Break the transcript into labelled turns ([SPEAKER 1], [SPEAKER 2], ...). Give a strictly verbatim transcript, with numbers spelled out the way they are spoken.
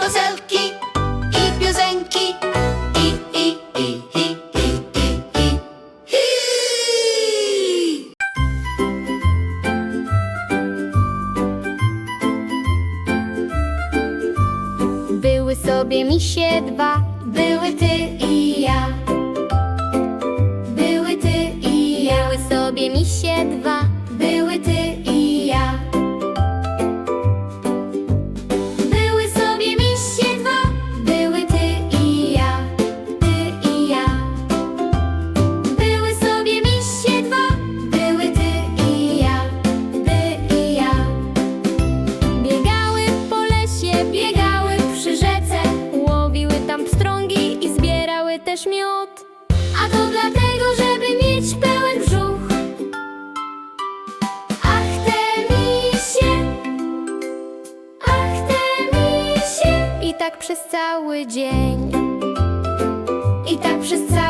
[SPEAKER 1] karuzelki i piosenki. I, i, i, i, i, i, i. Hi!
[SPEAKER 2] Były sobie misie dwa,
[SPEAKER 1] Były ty i ja. Były ty i ja.
[SPEAKER 2] były sobie misie dwa.
[SPEAKER 1] Były ty i ja. Były sobie misie dwa. Były ty i ja. Ty i ja. Były sobie misie dwa. Były ty i ja. Ty i ja.
[SPEAKER 2] Biegały po lesie,
[SPEAKER 1] Biegały przy rzece,
[SPEAKER 2] łowiły tam pstrągi i zbierały też miód.
[SPEAKER 1] a to dlatego, żeby mieć pełen brzuch. Ach, te misie, ach, te misie.
[SPEAKER 2] I tak przez cały dzień.
[SPEAKER 1] I tak przez cały